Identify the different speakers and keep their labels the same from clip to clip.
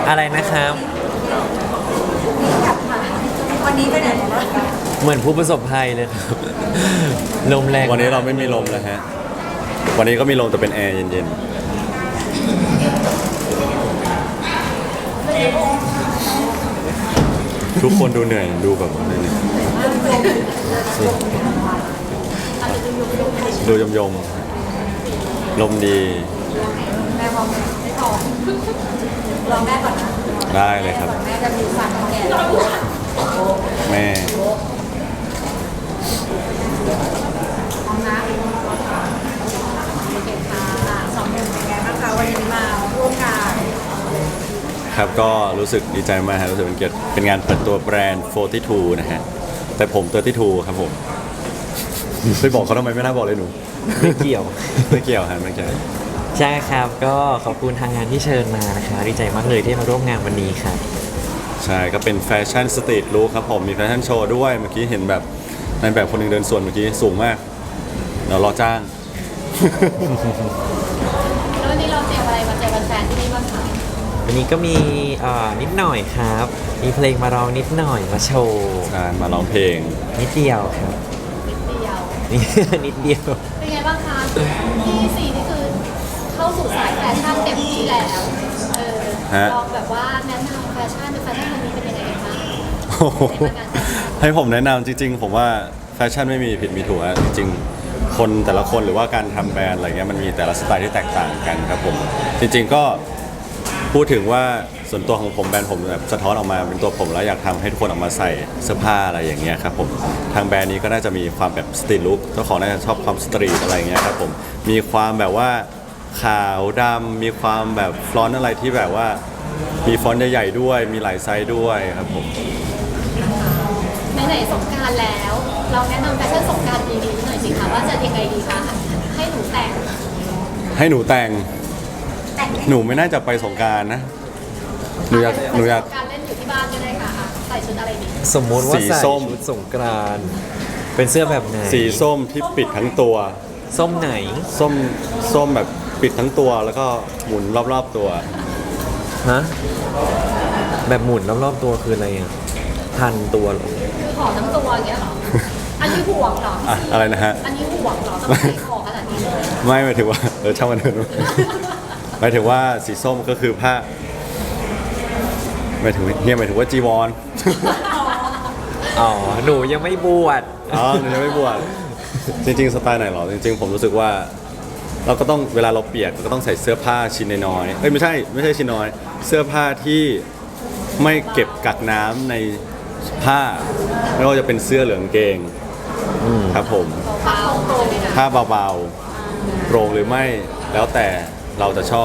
Speaker 1: อะไรนะครับ
Speaker 2: วันนี้ไปไหนมา
Speaker 1: เหมือนผู้ประสบภัยเลยครับ ลมแรง
Speaker 3: วันนี้เราไม่มีลมเลยฮะวันนี้ก็มีลมแต่เป็นแอร์เย็นๆทุกคนดูเหนื่อยดูแบบเหนื่อยดูยมๆลมดี
Speaker 2: แม่พร้อมไม่พร้อมลองแม่ก่อนนะ
Speaker 3: ได้เลยครับ
Speaker 2: แม่จะมีสั่งแก่
Speaker 3: แม่
Speaker 2: พร้อมนะโอเคค่ะสองหนึ่งเป็นไงบ้างคะวันนี้มาร่วมงาน
Speaker 3: ครับก็รู้สึกดีใจมากครับรู้สึกเป็นเกียรติเป็นงานเปิดตัวแบรนด์ 42 นะฮะแต่ผม32ครับผมไปบอกเขาทำไมไม่น่าบอกเลยหนู
Speaker 1: ไม่เกี่ยว
Speaker 3: ไม่เกี่ยวฮะไม่เกี่ยว
Speaker 1: ใช่ครับก็ขอบคุณทางงานที่เชิญมานะคะดีใจมากเลยที่มาร่วมงานวันนี้ครับ
Speaker 3: ใช่ก็เป็นแฟชั่นสตรีทลุคครับผมมีแฟชั่นโชว์ด้วยเมื่อกี้เห็นแบบในแบบคนหนึ่งเดินสวนเมื่อกี้สูงมากเดี๋ยวรอจ้าง
Speaker 2: แล้ววันนี้เราเตรียมอะไรมาเจอแฟนๆที่นี่บ้างคะ
Speaker 1: วันนี้ก็มีนิดหน่อยครับ มีเพลงมาร้องนิดหน่อยมาโชว์
Speaker 3: ใช่มาร้องเพลง
Speaker 1: นิดเดียวครับ
Speaker 2: นิดเดียว
Speaker 1: นิดเดียว
Speaker 2: เป็นไงบ้างคะที่สี่นี่คือเข้าสู่สายแฟชั่นเต็มที่แล้วลองแบบว่าแนะนำแฟชั่นวันนี้เป็นยังไงบ้าง
Speaker 3: โอ้โหให้ผมแนะนำจริงๆ ผมว่าแฟชั่นไม่มีผิดมีถูกอะจริงๆ คนแต่ละคนหรือว่าการทำแบรนด์อะไรเงี้ยมันมีแต่ละสไตล์ที่แตกต่างกันครับผมจริงๆก็พูดถึงว่าส่วนตัวของผมแบรนด์ผมแบบสะท้อนออกมาเป็นตัวผมแล้วอยากทำให้ทุกคนออกมาใส่เสื้อผ้าอะไรอย่างเงี้ยครับผมทางแบรนด์นี้ก็น่าจะมีความแบบสตรีทลุคเจ้าของน่าจะชอบความสตรีทอะไรเงี้ยครับผมมีความแบบว่าขาวดำมีความแบบฟลอนต์อะไรที่แบบว่ามีฟอนต์ใหญ่ๆด้วยมีหลายไซส์ด้วยครับผม
Speaker 2: ไหนๆสงกรารแล้ว เราแนะนำแฟชั่นสงกรารดีๆหน่อยสิคะว่าจะยังไงดีคะให้หนูแต่ง
Speaker 3: ให้หนูแต่ง
Speaker 2: แต่ง
Speaker 3: หนูไม่น่าจะไปสงกรารนะหนูอยาก
Speaker 2: การเล่นอยู่ที่บ้านก็ได้ค่ะใส่ชุดอะไรดี
Speaker 1: สมมุติว่า
Speaker 3: สี
Speaker 1: ใส่
Speaker 3: ส้ม
Speaker 1: ชุดสงกรานต์เป็นเสื้อแบบไหน
Speaker 3: สีส้มที่ปิดทั้งตัว
Speaker 1: ส้มไหน
Speaker 3: ส้มแบบปิดทั้งตัวแล้วก็หมุนรอบๆตัว
Speaker 1: ฮะแบบหมุนรอบๆตัวคืออะไรอ่ะพันตัวเหรอ
Speaker 2: คือห่อทั้งตัวอย่างเงี้ยเหรออันนี้ห่วงเหรอ
Speaker 3: อะอะไรนะฮะ
Speaker 2: อันนี้ห่วงเหรอต้องใส่ของขนาดนี้เลย
Speaker 3: ไม่หมายถึงว่าช่างมันเถอะหมายถึงว่าสีส้มก็คือผ้าหมายถึงว่าจีวร
Speaker 1: อ๋อหนูยังไม่บวช
Speaker 3: อ๋อหนูยังไม่บวชจริงๆสไตล์ไหนหรอจริงๆผมรู้สึกว่า เราก็ต้องเวลาเราเปียกก็ต้องใส่เสื้อผ้าชิ้นน้อยๆเอ้ยไม่ใช่ชิ้นน้อย เสื้อผ้าที่ไม่เก็บกักน้ำในผ้าไม่ว่าจะเป็นเสื้อหรือกางเกงครับผม
Speaker 2: เบาๆโปรเลยนะ
Speaker 3: ผ้าเบาๆโปร่งหรือไม่แล้วแต่เราจะชอบ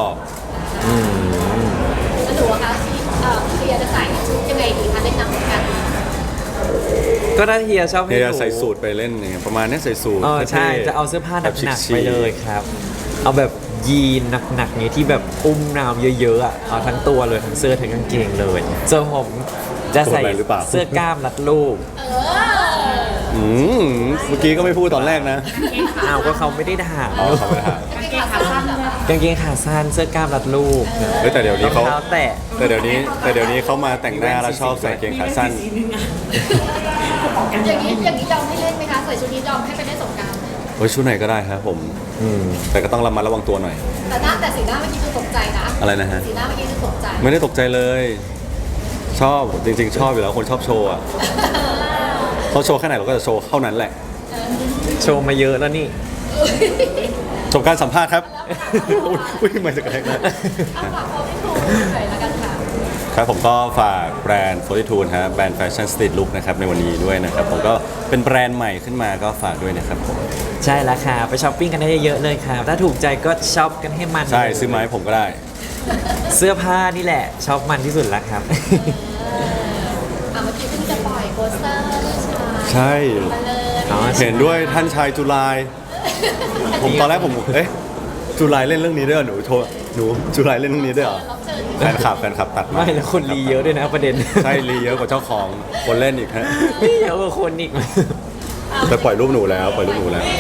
Speaker 2: แล้วหนูอะคะเคลียร์จะใส่ชุดยังไงดีคะเล่นน้ำกัน
Speaker 1: ก็ถ้าเฮียชอบให้
Speaker 3: เนี่ย
Speaker 1: ห
Speaker 3: จะ
Speaker 1: นู
Speaker 3: ใส่สูทไปเล่นอย่างเงี้ยประมาณเนี้ยใส่สูท
Speaker 1: ใช่
Speaker 3: ท่ๆ
Speaker 1: จะเอาเสื้อผ้าห
Speaker 3: แบบ
Speaker 1: นักๆ
Speaker 3: ชิคๆ
Speaker 1: ไปเลยครับ เอาแบบยีนหนักๆนี้ที่แบบอุ้มน้ำเยอะๆอ่ะเอาทั้งตัวเลยทั้งเสื้อทั้งกางเกงเลยส่วนผมจะใส่
Speaker 3: ตัวไหนหรือเปล่า
Speaker 1: เสื้อกล้ามรัดรูป
Speaker 3: อืมเมื่อกี้ก็ไม่พูดตอนแรกนะ
Speaker 1: อ้าวก็เขาไม่ได้ด่า
Speaker 3: อ๋อเขาไม่ได้ถาม
Speaker 2: กางเกงขาสั้นเหรอคะ
Speaker 1: กางเกงขาสั้นเสื้อกล้ามรัดรูป
Speaker 3: เฮ้ยแต่เดี๋ยว
Speaker 1: ร
Speaker 3: นี้
Speaker 1: อง
Speaker 3: เขา
Speaker 1: เท้าแตะ
Speaker 3: แต่เดี๋ยวนี้เขามาแต่งหน้าแล้วชอบใส่กางเกงขาสั้น
Speaker 2: อย่างนี้ยอมให้เล่นไหมคะใส่ชุดนี้ยอมให้ไปเล่นสงกราร
Speaker 3: โอ้ยชุดไหนก็ได้ครับผม แต่ก็ต้องระมัดระวังตัวหน่อย
Speaker 2: แต่สีหน้าเมื่อกี้คือตกใจนะ
Speaker 3: อะไรนะฮะ
Speaker 2: สีหน้าเมื่อกี้คือตกใจ
Speaker 3: ไม่ได้ตกใจเลย ชอบจริงๆ ชอบอยู่แล้วคนชอบโชว์อะเขาโชว์แค่ไหนเราก็จะโชว์เท่านั้นแหละ
Speaker 1: โชว์มาเยอะแล้วนี่
Speaker 3: จบการสัมภาษณ์ครับ อุ้ยไม่จะกระแทกนะ
Speaker 2: เอาฝากความไม่ถูกหน่อยละกันค่ะ
Speaker 3: ครับผมก็ฝากแบรนด์42นะฮะแบรนด์แฟชั่นสตรีทลุคนะครับในวันนี้ด้วยนะครับผมก็เป็นแบรนด์ใหม่ขึ้นมาก็ฝากด้วยนะครับผม
Speaker 1: ใช่แล้วค่ะไปช้อปปิ้งกันได้เยอะๆเลยครับถ้าถูกใจก็ช็อปกันให้มัน
Speaker 3: ใช่ซื้อไมาให้ผมก็ได้
Speaker 1: เสื้อผ้านี่แหละช็อปมันที่สุดแล้วครับ
Speaker 2: เมื่อกี้เพิ่งจะปล่อยโปสเตอร์
Speaker 3: ใช่
Speaker 2: มาเลย
Speaker 1: อ๋อ
Speaker 3: เห็นด้วยท่านชายจุลาย ผมตอนแรกผมเอ๊ะจุลายเล่นเรื่องนี้ด้วยเหรอหนูจุลายเล่นเรื่องนี้ด้วยเหรอ
Speaker 2: รับเชิญ
Speaker 3: แฟนคลับตัดมา
Speaker 1: ไม่แล้วคนรีเยอะด้วยนะประเด็น
Speaker 3: ใช่รีเยอะกว่าเจ้าของคนเล่นอีกฮะ
Speaker 1: เยอะกว่าคนอีก
Speaker 3: แต่ปล่อยรูปหนูแล้วปล่อยรูปหนูแล้ว
Speaker 2: แล้ว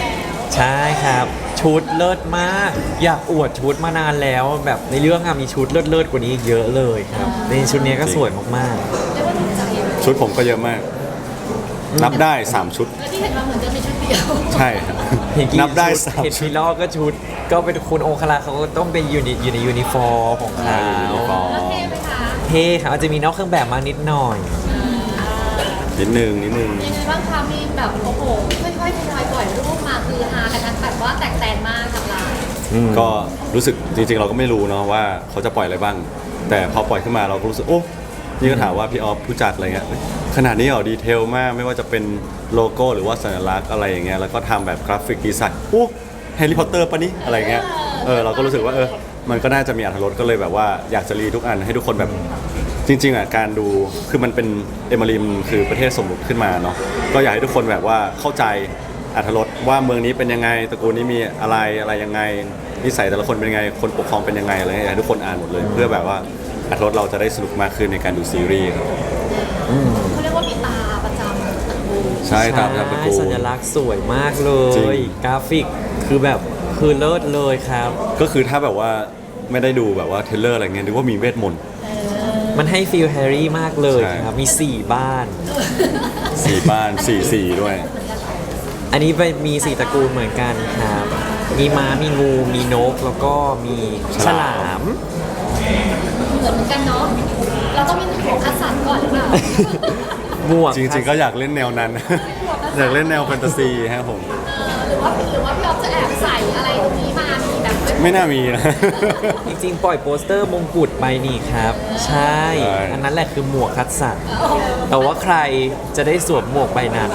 Speaker 1: ใช่ครับ ชุดเลิศมาก อยากอวดชุดมานานแล้วแบบในเรื่องอะมีชุดเลิศๆกว่านี้อีกเยอะเลยครับในชุดนี้ก็สวยมาก
Speaker 2: เรียกว่าถูกใจเลย
Speaker 3: ชุดผมก็เยอะมาก นับได้ 3 ชุด
Speaker 2: แล้วที่เห็นมาเหมือนจะมีชุดเดียว
Speaker 3: ใช่ครับ
Speaker 1: ๆเห็นกี่
Speaker 3: นับได้
Speaker 1: ชุ
Speaker 3: 3
Speaker 1: เห็น
Speaker 3: ชุ
Speaker 1: พี
Speaker 3: ด
Speaker 1: ลอกก็ชุด ก็เป็นคุณองคลาเขาก็ต้องเป็นอยู่ในยูนิฟอร์มของเขา
Speaker 3: ยูนิฟอร์ม
Speaker 2: แล้วเท่ไหมคะ
Speaker 1: เท่ครับอาจจะมีนอกเครื่องแบบมานิดหน่อย
Speaker 3: นิดนึง
Speaker 2: ยังไงบ้างคะมีแบบโอ้โหค่อยๆทยอยปล่อยรูปมาคือฮากันทั้งแบบว่าแตกแตนมากทำลาย
Speaker 3: ก็รู้สึกจริงๆ เราก็ไม่รู้เนาะว่าเขาจะปล่อยอะไรบ้าง แต่พอปล่อยขึ้นมาเราก็รู้สึกโอ้นี่ก็ถามว่าพี่ออฟผู้จัดอะไรเงี้ยเฮ้ยขนาดนี้เหรอดีเทลมากไม่ว่าจะเป็นโลโก้หรือว่าสัญลักษณ์อะไรอย่างเงี้ยแล้วก็ทำแบบกราฟิกดีไซน์อู้แฮร์รี่พอตเตอร์ปะนี่อะไรเงี้ยเราก็รู้สึกว่ามันก็น่าจะมีอรรถรสก็เลยแบบว่าอยากจะรีทุกอันให้ทุกคนแบบจริงๆอ่ะการดูคือมันเป็นเอมาริมคือประเทศสมมุติขึ้นมาเนาะก็อยากให้ทุกคนแบบว่าเข้าใจอรรถรสว่าเมืองนี้เป็นยังไงตระกูลนี้มีอะไรยังไงนิสัยแต่ละคนเป็นยังไงคนปกครองเป็นยังไงอะไรเงี้ยอยากให้ทุกคนอ่านหมดเลย เพื่อแบบว่าอรรถรสเราจะได้สนุกมากขึ้นในการดูซีรีส์ครับ
Speaker 2: เขาเรียกว่ามีตาประจำตระกูล
Speaker 3: ใช่ตามตระกูล
Speaker 1: สัญลักษณ์สวยมากเล
Speaker 3: จริ
Speaker 1: ย
Speaker 3: ง
Speaker 1: กราฟิกคือแบบคือเลิศเลยครับ
Speaker 3: ก็คือถ้าแบบว่าไม่ได้ดูแบบว่าเทรลเลอร์อะไรเงี้ยนึกว่ามีเวทมนต์
Speaker 1: มันให้ฟีลแฮร์รี่มากเลย
Speaker 3: ใช่
Speaker 1: ครับ มี 4 บ้าน
Speaker 3: 4 บ้าน4 สีด้วย
Speaker 1: อันนี้ไปมี 4 ตระกูลเหมือนกันครับ มีม้า มีงู มีนก แล้วก็มีฉลาม
Speaker 2: เหมือนกันเนาะเราต้องมีหัวคัดสรรก่อนหรือเปล่า
Speaker 1: หมวก
Speaker 3: จริงๆก็อยากเล่นแนวนั้น อยากเล่นแนวแฟนตาซีฮะผม
Speaker 2: หรือว่าพี่อ๊อฟจะแอบใส่อะไรตรงนี้มามีแบบ
Speaker 3: ไม่น่ามีนะ
Speaker 1: จริงๆ ปล่อยโปสเตอร์มงกุฎไปนี่ครับ ใช่
Speaker 3: ใช่
Speaker 1: อันนั้นแหละคือหมวกคัดสรรแต่ว่าใครจะได้สวมหมวกใบนั้น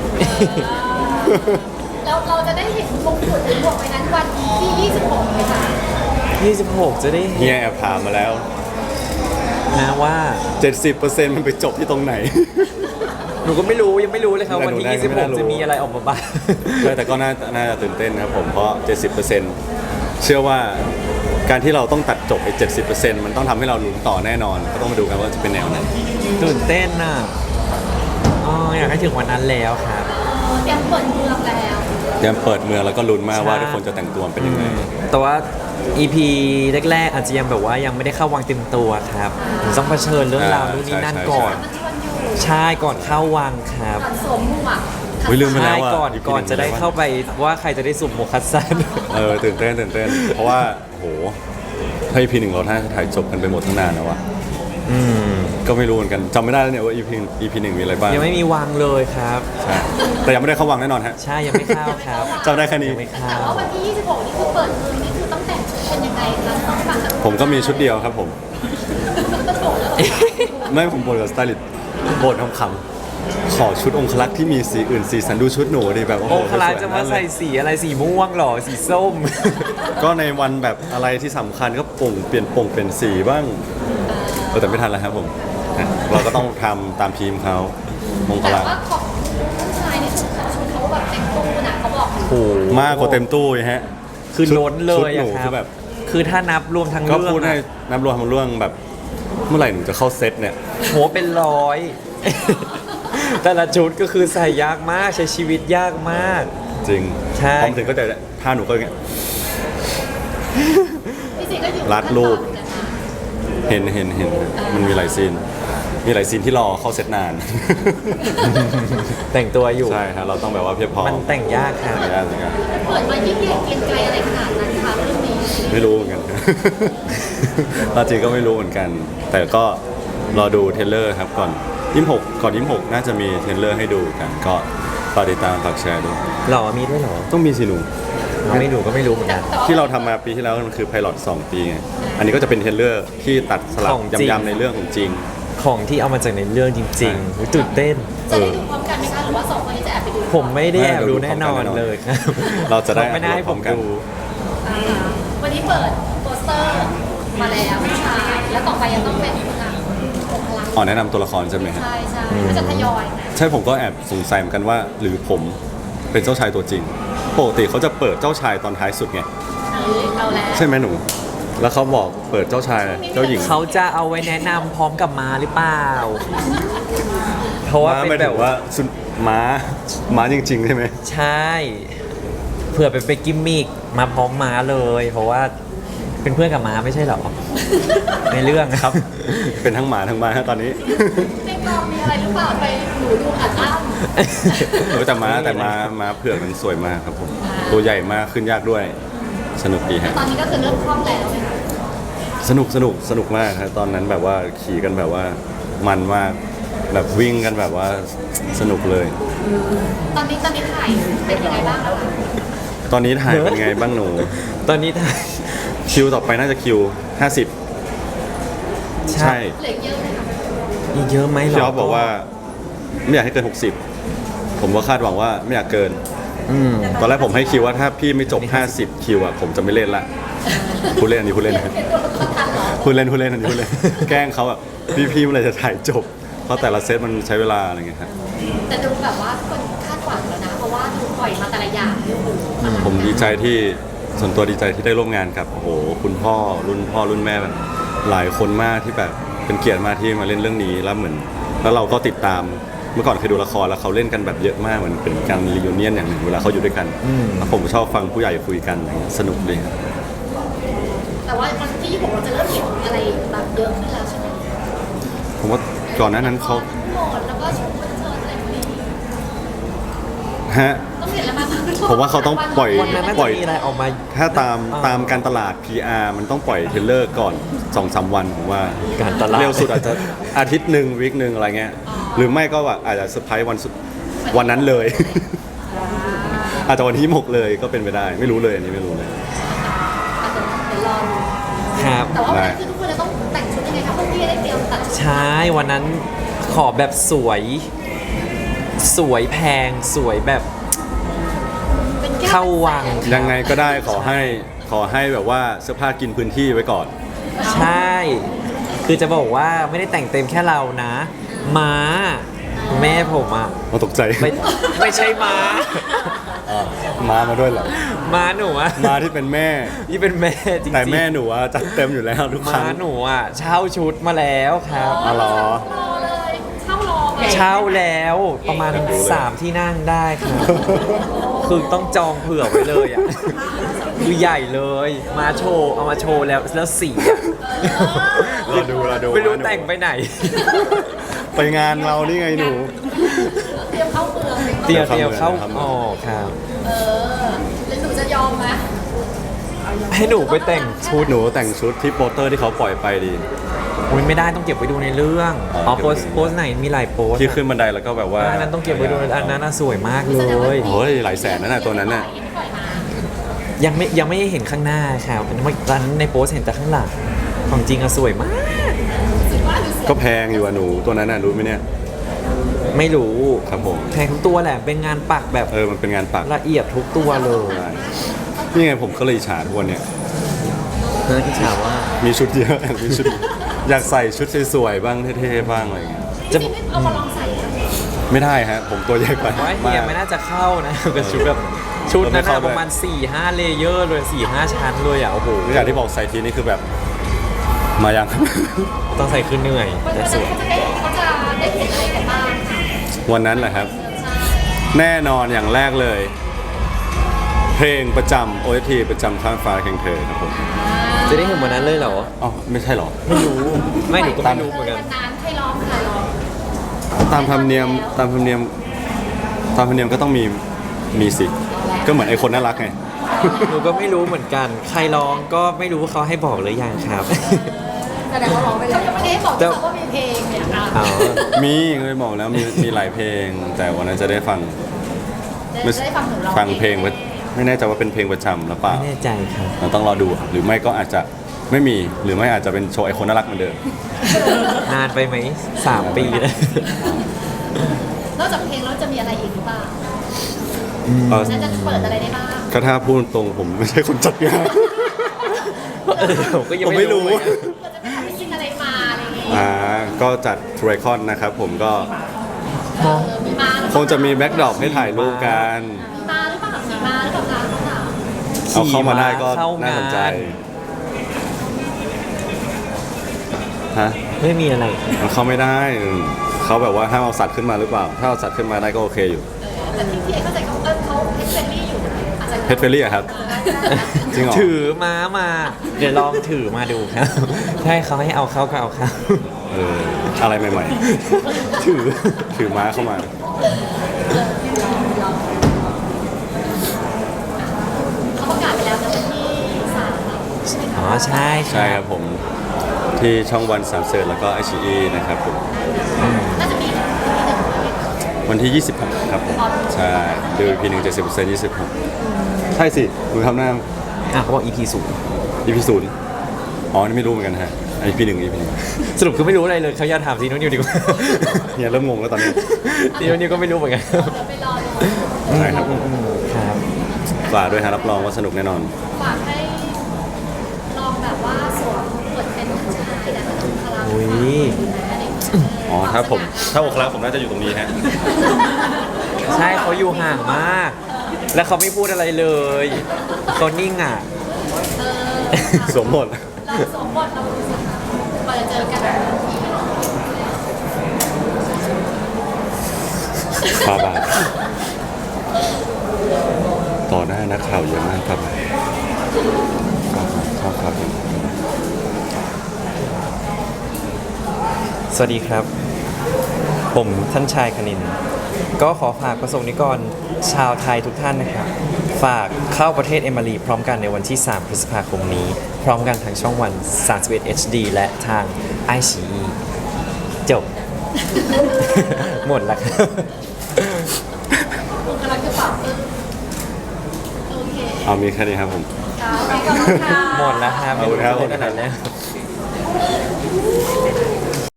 Speaker 2: แล้วเราจะได้เห็นมงกุฎหรือหมวกใบนั้นวันที่ 26ไหมคะ
Speaker 1: 26 จะได้
Speaker 3: เฮี
Speaker 1: เห็
Speaker 3: ย
Speaker 1: น
Speaker 3: แอบถามมาแล้ว
Speaker 1: นะว่า
Speaker 3: 70%มันไปจบที่ตรงไหน
Speaker 1: หนูก็ไม่รู้ยังไม่รู้เลยครับ
Speaker 3: แต่
Speaker 1: วัน
Speaker 3: หนู
Speaker 1: ที่
Speaker 3: ได้ไม่น่ารู้
Speaker 1: 26 จะมีอะไรออกมาบ้าง
Speaker 3: ใช่แต่ก็น่าจะตื่นเต้นครับผมเพราะ 70%เชื่อว่าการที่เราต้องตัดจบไอ้70%มันต้องทำให้เราลุ้นต่อแน่นอน ก็ต้องมาดูกันว่าจะเป็นแนวไหน
Speaker 1: ตื่นเต้นน่ะอ๋ออยากให้ถึงวันนั้นแล้วครับ
Speaker 2: เตรียมเปิดเมืองแล้ว
Speaker 3: เตรียมเปิดเมืองแล้วก็ลุ้นมากว่า
Speaker 1: ใช่
Speaker 3: ทุกคนจะแต่งตัวเป็นยังไง
Speaker 1: แต่ว่า EP แรกๆอาจจะยังแบบว่ายังไม่ได้เข้าวางเต็มตัวครับต้องเผชิญเรื่องราวนู่นนี่นั่น
Speaker 3: ใช่
Speaker 1: ก่อน
Speaker 2: มันชวนอยู่
Speaker 1: ใช่ก่อนเข้าวังครับ
Speaker 2: ก่อนสวมหมวก
Speaker 3: อุ๊ยลืมไปแล้
Speaker 1: ใช่
Speaker 3: วอ่ะ
Speaker 1: ก่อน
Speaker 3: EP
Speaker 1: ก่อนจะได้เข้าไปว่าใครจะได้สุ่มโมคัสซัน
Speaker 3: ตื่นเต้น เพราะว่าโอ้โหถ้า EP 1เราถ้าถ่ายจบกันไปหมดทั้งนานแล้วอะก็ไม่รู้เหมือนกันจำไม่ได้แล้วเนี่ยว่า EP 1มีอะไรบ้าง
Speaker 1: ยังไม่มีวังเลยครับ
Speaker 3: ใช่แต่ยังไม่ได้เข้าวังแน่นอนฮะ
Speaker 1: ใช่ยังไม่เข้าครับ
Speaker 3: จำได้แค่นี้
Speaker 1: ยังไม่เข้า
Speaker 2: แต่ว่าวันที่ 26 นี่คือเปิดเมืองนี่คือต้องแต่งชุดเป็นยังไงคะต้องฟังจาก
Speaker 3: ผมก็มีชุดเดียวครับผม ไม่ผมบ่นกับสไตลิสต์บ่นคำๆขอชุดองคลักษ์ที่มีสีอื่นสีสันดูชุดหนูดิแบบโอ้โห
Speaker 1: องคลาจะมาใส่
Speaker 3: สวย
Speaker 1: สีอะไรสีม่วงเหรอสีส้ม
Speaker 3: ก็ในวันแบบอะไรที่สำคัญก็เปลี่ยนสีบ้างแต่ไม่ทันแล้วครับผมนะเราก็ต้องทำตามทีมเขาองค
Speaker 2: แต่
Speaker 3: ลักษ์
Speaker 2: ว่าของผู้ชายนี่ชุดเขาแบบเต็มตู้นะเขาบอก
Speaker 1: โอ้โห
Speaker 3: มากกว่าเต็มตู้อีกฮะ
Speaker 1: คือล้นเล
Speaker 3: ชุด
Speaker 1: ย
Speaker 3: หนู
Speaker 1: อะค
Speaker 3: คื
Speaker 1: รับ
Speaker 3: อแบบ
Speaker 1: คือถ้านับรวมทั้ง
Speaker 3: ก็
Speaker 1: เรื่อง
Speaker 3: พูดให้
Speaker 1: อะ
Speaker 3: นับรวมทั้งเรื่องแบบเมื่อไหร่หนูจะเข้าเซตเนี่ย
Speaker 1: โหเป็นร้อย แต่ละชุดก็คือใส่ยากมากใช้ชีวิตยากมาก
Speaker 3: จริง
Speaker 1: ใช่
Speaker 3: พอมาถึงก็จะท่าหนูก็อย่างเงี้ย
Speaker 2: พี่ซีก็อยู่
Speaker 3: รัดรูป
Speaker 2: ขั้นตอนเหมือนกันนะ
Speaker 3: เห็นมันมีหลายซีนที่รอเข้าเซตนาน
Speaker 1: แต่งตัวอยู่
Speaker 3: ใช่ฮะเราต้องแบบว่าเพียบพร้อม
Speaker 1: มันแต่งยากครับ
Speaker 3: ไม่ได้เหมือนกัน
Speaker 2: เปิดมายิ่งใหญ่เกรียงไกรอะไรขนาดนั้นคะเรื่องนี้
Speaker 3: ไม่รู้เหมือนกัน ตอนจริงก็ไม่รู้เหมือนกัน แต่ก็รอดูเทรลเลอร์ครับก่อน26น่าจะมีเทรลเลอร์ให้ดูกัน ก็ฝากติดตามฝากแชร์ด้วย
Speaker 1: หล่อมีด้วยเหรอ
Speaker 3: ต้องมีสิหนู
Speaker 1: ไม่ดูก็ไม่รู้เหมือนกัน
Speaker 3: ที่เราทำมาปีที่แล้วมันคือไพลอต2 ปีไงอันนี้ก็จะเป็นเทรลเลอร์ที่ตัดสลับ
Speaker 1: ของจริง
Speaker 3: ยำๆในเรื่องของจริง
Speaker 1: ของที่เอามาจากในเรื่องจริงๆอุ๊ยตื่นเต้น
Speaker 2: จะได้ดูพร้อมกันไหมคะหรือว่าสองคนนี้จะแอบไปดู
Speaker 1: ผมไม่ได้แอบดู
Speaker 3: ไม่
Speaker 1: แน่นอนเลยครับ
Speaker 3: เราจะได้
Speaker 1: ไม่ได้ให้ผม
Speaker 3: พร้อมกัน
Speaker 1: ดู
Speaker 2: วันนี้เปิดโปสเตอร์มาแล้วผู้ชายแล้วต่อไปยังต้องเป็นองค์ลักษณ์
Speaker 3: อ๋อแนะนำตัวละครใช่ไหมฮะ
Speaker 2: ใช่ก็จะทยอยนะ
Speaker 3: ใช่ผมก็แอบสงสัยเหมือนกันว่าหรือผมเป็นเจ้าชายตัวจริงปกติเขาจะเปิดเจ้าชายตอนท้ายสุดไง
Speaker 2: เอาแล้ว
Speaker 3: ใช่ไหมหนู แล้วเขาบอกเปิดเจ้าชายเจ้าหญิง
Speaker 1: เขาจะเอาไว้แนะนำพร้อมกับม้าหรือเปล่า เพราะว่า
Speaker 3: ม้า
Speaker 1: เป็น
Speaker 3: หมาย
Speaker 1: แบ
Speaker 3: ถึ
Speaker 1: บ
Speaker 3: ง
Speaker 1: ว่า
Speaker 3: ว่าม้าจริง ๆ ใช่ไหม
Speaker 1: ใช่
Speaker 3: เ
Speaker 1: เผื่อไปกิมมิกมาพร้อมม้าเลย เพราะว่าเป็นเพื่อนกับม้าไม่ใช่เหรอ ในเรื่องครับ
Speaker 3: เป็นทั้งหมาทั้งม้าตอนนี้
Speaker 2: ในกองมีอะไรหรือเปล่าไปหนูดูอัดอั้ม
Speaker 3: แต่ม้าเผือกมันสวยมากครับผมตัวใหญ่มากขึ้นยากด้วยสนุกดีฮะ
Speaker 2: ตอนนี้ก็คือเริ่มคล่องแล้วไหมคะ
Speaker 3: สนุกมากครับตอนนั้นแบบว่าขี่กันแบบว่ามันมากแบบวิ่งกันแบบว่าสนุกเลย
Speaker 2: ตอนนี้ถ่ายเป็นยังไงบ้างแล้วคะ
Speaker 3: ตอนนี้ถ่ายเป็นไงบ้างหนู
Speaker 1: ตอนนี้ถ่าย
Speaker 3: คิวต่อไปน่าจะคิว 50 ใช่
Speaker 2: เหลือเยอะไหมคะ
Speaker 1: อีกเยอะไหมหรอ
Speaker 3: พี่ออฟบอกว่าไม่อยากให้เกิน 60 ผมก็คาดหวังว่าไม่อยากเกิน
Speaker 1: อืม
Speaker 3: ตอนแรกผมให้คิวว่าถ้าพี่ไม่จบ 50 คิวอะผมจะไม่เล่นละพูดเล่นอันนี้พูดเล่นนะ
Speaker 2: เป็นตัวละครทันเหรอ
Speaker 3: พูดเล่นอันนี้พูดเล่น แกล้งเขาอะพี่เมื่อไหรจะถ่ายจบ เพราะแต่ละเซตมันใช้เวลาอะไรเงี้ยครับ
Speaker 2: แต่ดูแบบว่าคนคาดหวังแล้วนะ เพราะว่าดูปล่อยมาแต่ละอย่างที่โอ้โห
Speaker 3: ผมดีใจที่ส่วนตัวดีใจที่ได้ร่วมงานกับโอ้โหคุณพ่อรุ่นแม่แบบหลายคนมากที่แบบเป็นเกียรติมากที่มาเล่นเรื่องนี้แล้วเหมือนแล้วเราก็ติดตามเมื่อก่อนเคยดูละครแล้วเขาเล่นกันแบบเยอะมากเหมือนเป็นการรีวิเนียนอย่างหนึ่งเวลาเขาอยู่ด้วยกันแล้วผมชอบฟังผู้ใหญ่คุยกันอะไรเงี้ยสนุกดีครับ
Speaker 2: แต่ว่าวันที่26เราจะเริ่มเห็นอะไรแบบเยอะขึ้นแล้วใช่ไหม
Speaker 3: ผมว่าก่อนหน้านั้นเขา
Speaker 2: โหมดแล้วก็ชมคอนเสิร์ตอะไรพวกนี้
Speaker 3: ฮะ
Speaker 2: ต้องเห็นแล้วมั้ย
Speaker 3: ผมว่าเขาต้องปล่อย
Speaker 1: วันนั้นน่า
Speaker 3: ปล่
Speaker 1: จะ
Speaker 3: อย
Speaker 1: มีอะไรออกมา
Speaker 3: ถ้าตามการตลาด PR มันต้องปล่อยเทรลเลอร์ก่อน 2-3 วันผมว่า
Speaker 1: การตลาด
Speaker 3: เร็วสุดอาจจะอาทิตย์หนึ่งวีคหนึ่งอะไรเงี้ยหรือไม่ก็ว่าอาจจะเซอร์ไพรส์วันนั้นเลย อาจจะวันที่6เลยก็เป็นไปได้ ไม่รู้เลยอันนี้ไม่รู้เลย
Speaker 2: อาจจะเดี๋ยวรอดู
Speaker 1: ครับ
Speaker 2: แต่ว่าวันนั้นคือทุกคนจะต้องแต่งชุดยังไงคะพวกพี่ได้เตรียมตัดชุด
Speaker 1: ใช่วันนั้นขอแบบสวยแพงสวยแบบ
Speaker 2: เป็นแก้ว
Speaker 1: เข้าวัง
Speaker 3: ยังไงก็ได้ขอให้แบบว่าเสื้อผ้ากินพื้นที่ไว้ก่อน
Speaker 1: ใช่ คือจะบอกว่าไม่ได้แต่งเต็มแค่เรานะ ม้า แม่ผมอ่ะ
Speaker 3: มาตกใจ
Speaker 1: ไม่ใช่ม้า
Speaker 3: มาด้วยเหรอ
Speaker 1: ม้าหนูอ่ะ
Speaker 3: มาที่เป็นแม่
Speaker 1: นี่เป็นแม่จริงๆ
Speaker 3: แต่แม่หนูอะจัดเต็มอยู่แล้วทุกครั้
Speaker 1: ม้าง หนูอ่ะเช่าชุดมาแล้วครับ
Speaker 3: อ๋อเหรอ
Speaker 2: รอเลยเช่ารอไง
Speaker 1: เช่าแล้วประมาณ 3 ที่นั่งได้ครับ คือต้องจองเผื่อไว้เลยอ่ะ คือใหญ่เลย มาโชว์เอามาโชว์แล้วสีอ่ะ
Speaker 3: เราดู
Speaker 1: ไม่รู้แต่งไปไหน
Speaker 3: ไปงานเรานี่ไงหนู
Speaker 2: เตรียมเข้าเปลือก
Speaker 1: เตรียมเข้า
Speaker 3: ครับ
Speaker 1: ออกครับ
Speaker 2: เออแล้วหนูจะยอมไหม
Speaker 1: ให้หนูไปแต่งชุด
Speaker 3: หนูแต่งชุดที่โปสเตอร์ที่เขาปล่อยไปดี
Speaker 1: อุ๊ยไม่ได้ต้องเก็บไว้ดูในเรื่อง
Speaker 3: อ๋อ
Speaker 1: อ๋อ
Speaker 3: เก็บ
Speaker 1: โพ
Speaker 3: ไว้
Speaker 1: ส
Speaker 3: ดู
Speaker 1: โพสไหนมีหลายโพส
Speaker 3: ที่ขึ้นบันไดแล้วก็แบบว่า
Speaker 1: อันนั้นต้องเก็บไว้ดูอันนั้นน่ะสวยมากเลย
Speaker 3: โอ้ยหลายแสนนั่นน่ะตัวนั้นน่ะ
Speaker 2: ไม่ปล่อยมา
Speaker 1: ยังไม่เห็นข้างหน้าครับตอนนั้นในโพสเห็นแต่ข้างหลังของจริงอะสวยมาก
Speaker 2: สิว่าหรือเสีย
Speaker 3: ก็แพงอยู่อะหนูตัวนั้นน่ะรู้ไหมเนี่ย
Speaker 1: ไม่รู้
Speaker 3: ครับผม
Speaker 1: แพงทุกตัวแหละเป็นงานปักแบบ
Speaker 3: มันเป็นงานปัก
Speaker 1: ละเอียดทุกตัวเลย
Speaker 3: ใช่นี่ไงผมก็เลยอิจฉาทุกวันเนี่ย
Speaker 1: เนื้อที่ถามว่า
Speaker 3: มีชุดเยอะ มีชุด อยากใส่ชุดสวยๆบ้างเท่ๆบ้างอะไรอย่างเงี้ย
Speaker 2: จริงๆเอามาลองใส่อะ
Speaker 3: ไม่ได้ฮะผมตัวใหญ่ไป
Speaker 1: ว่าเฮียไม่น่าจะเข้านะ กับชุดแบบชุดนั้นอะประมาณ 4-5 เลเยอร์เลย 4-5 ชั้นเลยอ่ะโอ้โห
Speaker 3: อย่างที่บอกใส่ทีนี่คือแบบมายัง
Speaker 1: ต้องใส่คือเหนื่อย
Speaker 2: วัน
Speaker 1: แต่
Speaker 2: นั้น
Speaker 1: สวย
Speaker 2: เขาจะได้เห็นอะไรกันบ้างคะ
Speaker 3: วันนั้นแหละครับ
Speaker 2: ใช่
Speaker 3: แน่นอนอย่างแรกเลย เพลงประจำ OST ประจำข้ามฟ้าแข่งเธอครับผม
Speaker 1: จะได้เห็นวันนั้นเลยเหรอ
Speaker 3: อ๋อไม่ใช่เหรอ
Speaker 1: ไม่รู้ไม่หนูก็ไม่รู้เหมือนกัน
Speaker 2: วันนั้นใครร้องใครร้อง
Speaker 3: ตามธรรมเนียมก็ต้องมีสิก็เหมือนไอ้คนน่ารักไง
Speaker 1: หนูก็ไม่รู้เหมือนกัน ใครร้องก็ไม่รู้ว่าเขาให้บอกหรือยังครับ
Speaker 2: แสดงว่าร้องไปแล้วเขายังไม่ได้บอกด้วยซ้ำว่ามีเพลงเนี่ยอ่ะ
Speaker 1: อ๋อ
Speaker 3: มีเคยบอกแล้วมีหลายเพลง แต่วันนั้นจะได้ฟัง
Speaker 2: จะได้ฟังหนูร้อง
Speaker 3: ฟังเพลงไม่แน่ใจว่าเป็นเพลงประจำหรือเปล่า
Speaker 1: ไม่แน่ใจครับ
Speaker 3: เราต้องรอดูหรือไม่ก็อาจจะไม่มีหรือไม่อาจจะเป็นโชว์ไอคนน่ารักเหมือนเดิม
Speaker 1: นานไปไหม3 ปีแล้ว
Speaker 2: นอกจากเพลงแล้วจะมีอะไรอีกหรือเปล่า
Speaker 3: เอ่อ
Speaker 2: น่าจะเปิดอะไรได้บ้าง
Speaker 3: ก็ถ้าพูดตรงผมไม่ใช่คนจัดงาน
Speaker 1: ผมก็ยัง
Speaker 3: ผมไม่รู้
Speaker 1: เหมือนกัน
Speaker 2: ก็จะไม่ทำให้กินอะไรมาอะไรอย่างเงี้ย
Speaker 3: ก็จัดทร i คอนนะครับผมก็
Speaker 2: มีมาหรือเป
Speaker 3: ค
Speaker 2: ล่าง
Speaker 3: จะมีแบ็กดรอปให้ถ่ายรูปกัน
Speaker 2: มีมาหรือเปล่ามีมาหรือเปล่าคะน้องสาว
Speaker 3: เอาเข้ามาได้ก็
Speaker 1: เข้า
Speaker 3: น่าง
Speaker 1: า
Speaker 3: สนใจ
Speaker 1: น
Speaker 3: ฮะ
Speaker 1: ไม่มีอะไร
Speaker 3: มันเข้าไม่ได้เขาแบบว่าห้ามเอาสัตว์ขึ้นมาหรือเปล่า ถ้าเอาสัตว์ขึ้นมาได้ก็โอเคอยู่
Speaker 2: แต่ที่เอเข้าใจเขาเพชรเฟรนลี่อยู่อาจจะ
Speaker 3: เพชรเฟรลี่อะครับ จริงเหรอ
Speaker 1: ถือม้ามา เดี๋ยวลองถือมาดูครับใช่เขาให้เอาเข้าก็เอาเข้า
Speaker 3: อะไรใหม่ๆ ถือม้าเข้ามา
Speaker 2: เขาประกาศไปแล้วนะวันที่3ใช่ไหม
Speaker 1: อ๋อ
Speaker 2: คะ
Speaker 1: ใช่
Speaker 3: ใช่ครับผมที่ช่องวันสามเสิร์ชแล้วก็ไอชีนะครับผม
Speaker 2: น่าจะมีที่หนึ่งด้วยไหมคะ
Speaker 3: วันที่ 26 ครับผม ใช่ดู EP 1 70% 26 ใช่สิคุณทำหน้า
Speaker 1: อ่ะเขาบอก EP 0
Speaker 3: EP 0อ๋อนี่ไม่รู้เหมือนกันฮะ EP 1 EP 1
Speaker 1: สรุปคือไม่รู้อะไรเลยเขาอยากถามซีโนนิวดีกว่า
Speaker 3: เนี่ยเริ่มงงแล้วตอนนี้
Speaker 1: ซีโนนิวก็ไม่รู้เหมือนกัน
Speaker 2: เดี๋ยวไปรอดู
Speaker 3: ใช่ครับผม
Speaker 1: ครับ
Speaker 3: ฝากด้วยฮะรับรองว่าสนุกแน่นอน
Speaker 2: ฝากให้ลองแบบว่าสวมบทเป็นผู้ชายนะคะพลัง
Speaker 1: อุ้ย
Speaker 3: อ๋อถ้าอกรักผมน่าจะอยู่ตรงนี้ฮะ
Speaker 1: ใช่เขาอยู่ห่างมาก แล้วเขาไม่พูดอะไรเลยเขานิ่งอ่ะ
Speaker 3: สวมหมด
Speaker 2: เราสวมบทเราดูสิคะกว่าจะเจอกัน
Speaker 3: ฟาบาทต่อหน้านักข่าวเยอะมากครับครับ
Speaker 1: สวัสดีครับ ผมท่านชายคณิน ก็ขอฝากประสงค์นิกรชาวไทยทุกท่านนะครับ ฝากเข้าประเทศเอมารีพร้อมกันในวันที่ 3 พฤษภาคมนี้ พร้อมกันทางช่องวัน 31 HD และทาง iQIYI จบ หมดแล้วครับ
Speaker 2: คุณกำลังจะปรับปึ้งโอเค
Speaker 3: เอามีแค่นี้ครับผม
Speaker 2: ค่ะขอบคุณค่ะ
Speaker 1: หมดแล้วครับ
Speaker 3: ขอบคุณครับ
Speaker 1: ขนาดนี้